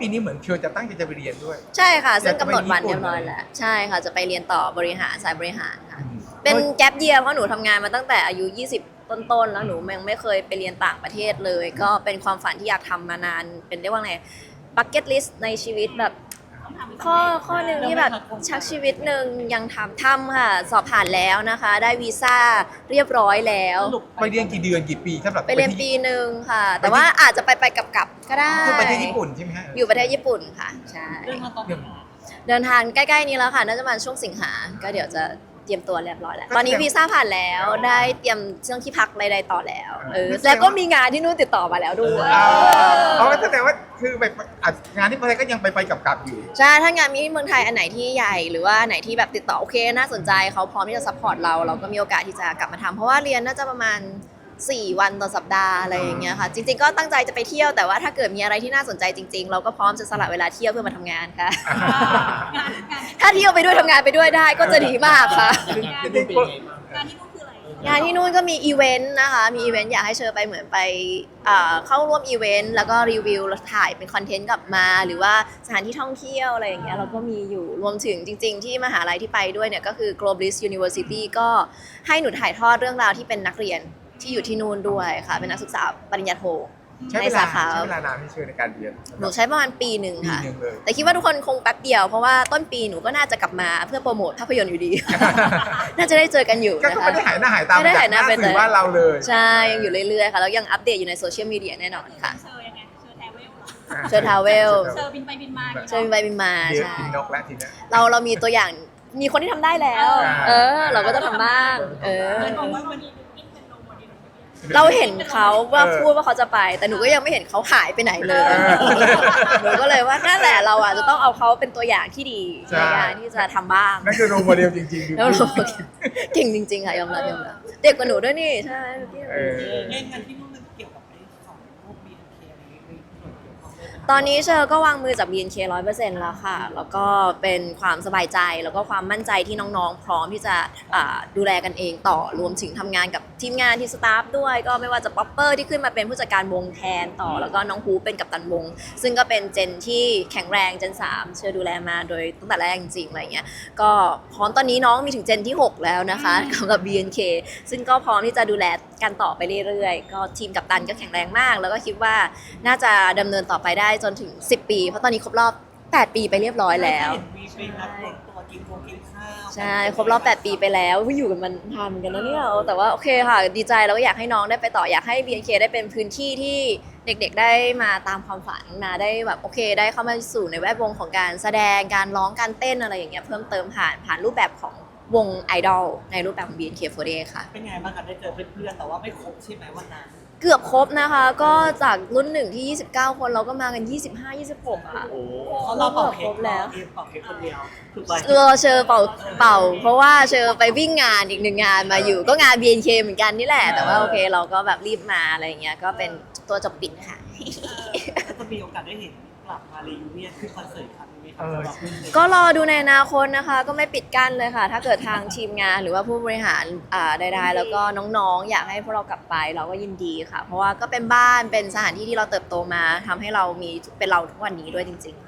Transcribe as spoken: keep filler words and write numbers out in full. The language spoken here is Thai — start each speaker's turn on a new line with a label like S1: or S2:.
S1: ปีนี้เหมือนเชียวจะตั้งใจจะไปเรียนด้วย
S2: ใช่ค่ะซึ่งำหนดวัน
S1: อยากจะไปญี่ปุ่น
S2: เรียบร้อยแล้วใช่ค่ะจะไปเรียนต่อบริหารสายบริหารค่ะ
S1: อืม
S2: เป็นแกปเยียร์เพราะหนูทำงานมาตั้งแต่อายุยี่สิบต้นๆแล้วหนูยังไม่เคยไปเรียนต่างประเทศเลย ก็เป็นความฝันที่อยากทำมานานเป็นเรียกว่าไงบักเก็ตลิสต์ในชีวิตแบบข้อข้อหนึ่งที่แบบชักชีวิตหนึ่งยังทำทำค่ะสอบผ่านแล้วนะคะ ได้วีซ่าเรียบร้อยแล้ว
S1: ไปเรียนกี่เดือนกี่ปีสำหรับ
S2: ไปเรียนปีหนึ่งค่ะ แต่ว่าอาจจะไปไปกลับกลับๆก็ได้
S1: คือไปที่ญี่ปุ่นใช่ไหมฮะ
S2: อยู่ประเทศญี่ปุ่นค่ะใช่
S3: เรื่องมาตอน
S1: เรื่อง
S2: เดินทางใกล้ๆนี้แล้วค่ะน่าจะประมาณช่วงสิงหาก็เดี๋ยวจะเตรียมตัวเรียบร้อยแล้ว
S1: ก็
S2: ตอนนี้
S1: แสดง
S2: วีซ่าผ่านแล้วได้เตรียมเรื่องที่พักใดๆต่อแล้วเออ
S1: ก็แสดง
S2: แล้วก็มีงานที่นู่นติดต่อมาแล้วด้วย
S1: อ๋ออ๋อแสดงว่าคือไปอ่ะงานที่ประเทศก็ยังไปไปกลับกลับอยู่
S2: ใช่ถ้างานมีที่เมืองไทยอันไหนที่ใหญ่หรือว่าอันไหนที่แบบติดต่อโอเคน่าสนใจเขาพร้อมที่จะซัพพอร์ตเราเราก็มีโอกาสที่จะกลับมาทำเพราะว่าเรียนน่าจะประมาณสี่วันต่อสัปดาห์อะไรอย่างเงี้ยค่ะจริงๆก็ตั้งใจจะไปเที่ยวแต่ว่าถ้าเกิดมีอะไรที่น่าสนใจจริง ๆ เราก็พร้อมจะสละเวลาเที่ยวเพื่อมาทำงานค่ะ
S3: งานงาน
S2: ถ้าเที่ยวไปด้วยทำงานไปด้วยได้ก็จะดีมากค่ะ
S3: งานที่นู่นงานที่นู่นคืออะไร
S2: งานที่นู่นก็มีอีเวนต์นะคะมีอีเวนต์อยากให้เชิญไปเหมือนไปเอ่อเข้าร่วมอีเวนต์แล้วก็รีวิวแล้วถ่ายเป็นคอนเทนต์กลับมา หรือว่าสถานที่ท่องเที่ยวอะไรอย่างเงี้ยเราก็มีอยู่รวมถึงจริง ๆ ที่มหาลัยที่ไปด้วยเนี่ยก็คือ Globalis University ก็ให้หนูถ่ายทอดเรื่องราวที่เป็นนักเรียนที่อยู่ที่นู่นด้วยค่ะเป็นนักศึกษาปริญญาโท
S1: ใช้
S2: ใน
S1: เวลา
S2: สาขา
S1: ใช้เวลานานที่เชื่อในการเรียน
S2: หนูใช้ประมาณปีหนึ่ง
S1: ปี
S2: ค่ะ
S1: หนึ่งเลย
S2: แต่คิดว่าทุกคนคงแป๊บเดียวเพราะว่าต้นปีหนูก็น่าจะกลับมาเพื่อโปรโมทภาพยนตร์อยู่ดี น่าจะได้เจอกันอยู่
S1: ก็
S2: นะ
S1: ไม่
S2: คะ
S1: ได้หายหน้าหายตา
S2: ไม่ได้หายหน้า
S1: จก
S2: ไป
S1: สื่อ
S2: เลย
S1: ว่านเราเลย
S2: ใช่ ยังอยู่เรื่อยๆค่ะ แล้วยังอัปเดตอยู่ในโซเชียลมีเดียแน่นอนค่ะ
S3: เชอยังไงเชอแทเวลเหรอ
S2: เชิญทาวเวล
S3: เชอบินไปบินมา
S2: เชิญบินไปบินมา
S1: เดี๋ยว
S2: ใช่
S1: กินนกแล้วทีเนี้ย
S2: เราเรามีตัวอย่างมีคนที่ทำได้แล้ว
S1: อ่า
S2: เออ เราก็จะทำบ้าง เออ
S3: มันบอกว่ามันมีบินเป็นโนโมเดล
S2: เราเห็นเขาว่า
S1: เออ
S2: พูดว่าเขาจะไป แต่หนูก็ยังไม่เห็นเขาหายไปไหนเลย
S1: เออ
S2: หนูก็เลยว่านั่นแหละเราอ่ะจะต้องเอาเขาเป็นตัวอย่างที่ดี
S1: ใช่
S2: ในการที่จะทำบ้าง
S1: นั่นคือโรโมเดลจริงๆ
S2: แล้วเราเก่งจริงๆค่ะยอมรับยอมรับเด็กกว่าหนูด้วยนี่ใช่
S1: เออ
S4: เล่นกันที่นู่นมันเกี่ยวกับไอ้ของพวก บี เอ็น เค อะไรอย่างเงี้ยมีส่วนเกี่ยวข้องด้วยไหม
S2: ตอนนี้เชอร์ก็วางมือจาก บี เอ็น เค ร้อยเปอร์เซ็นต์แล้วค่ะ แล้วก็เป็นความสบายใจแล้วก็ความมั่นใจที่น้องๆ พร้อมที่จะอ่าดูแลกันเองต่อ รวมถึงทำงานกับทีมงานที่สตาฟด้วย ก็ไม่ว่าจะป๊อปเปอร์ที่ขึ้นมาเป็นผู้จัดการวงแทนต่อ แล้วก็น้องฮูเป็นกัปตันวง ซึ่งก็เป็นเจนที่แข็งแรงเจนสามเชอร์ดูแลมาโดยตั้งแต่แรกจริงๆอะไรเงี้ย ก็พร้อมตอนนี้น้องมีถึงเจนที่หกแล้วนะคะสำหรับ บี เอ็น เค ซึ่งก็พร้อมที่จะดูแลกันต่อไปเรื่อยๆ ก็ทีมกัปตันก็แข็งแรงมาก แล้วก็คิดว่าน่าจะดำเนินต่อไปได้จนถึงสิบปี เพราะตอนนี้ครบรอบแปดปีไปเรียบร้อยแล้ว
S4: เห็นมีไปนัดรวมตัวกินโคกินข้าว
S2: ใช่ครบรอบแปดปีไปแล้วอุ๊ยอยู่กันมันทำกันแล้วเนี่ยแต่ว่าโอเคค่ะดีใจแล้วก็อยากให้น้องได้ไปต่ออยากให้ บี เอ็น เค ได้เป็นพื้นที่ที่เด็กๆได้มาตามความฝันมาได้แบบโอเคได้เข้ามาสู่ในแวดวงของการแสดงการร้องการเต้นอะไรอย่างเงี้ยเพิ่มเติมผ่านผ่านรูปแบบของวงไอดอลในรูปแบบของ บี เอ็น เค โฟร์ตี้ ค่ะ
S4: เป็นไงบ้างคะได้เจอเพื่อนๆแต่ว่าไม่ครบใช่ไหมวันนั้น
S2: เกือบครบนะคะ ก็จากรุ่นหนึ่งที่ยี่สิบเก้าคนเราก็มากันยี่สิบห้า ยี่สิบหกค่ะ
S4: โอ้เขาเราเป่าเค้
S2: คร
S4: ก
S2: บแล้ว
S4: เค้กเป่าเค้กคนเดียวถูกไหม
S2: เออเชอเป่าเป่า เพราะว่าเชอไปวิ่งงานอีกหนึ่งงานมาอยู่ก็งาน บี เอ็น เค เหมือนกันนี่แหละ แต่ว่าโอเคเราก็แบบรีบมาอะไรอย่างเงี้ยก็เป็นตัวจบปิดค่ะ
S4: ก็จะมีโอกาสได้เห็นกลับมารีวิเนียนขึ้นคอนเสิร์ตครั้งนี้ไหมครับ
S1: เออ
S4: สำหรับเพื่อนๆ
S2: ก็รอดูในอนาคตนะคะ ก็ไม่ปิดกั้นเลยค่ะ ถ้าเกิดทางทีมงานหรือว่าผู้บริหารอ่าใดๆแล้วก็น้องๆ อยากให้พวกเรากลับไปเราก็ยินดีค่ะ เพราะว่าก็เป็นบ้านเป็นสถานที่ที่เราเติบโตมาทำให้เรามีเป็นเราทุกวันนี้ด้วยจริงๆ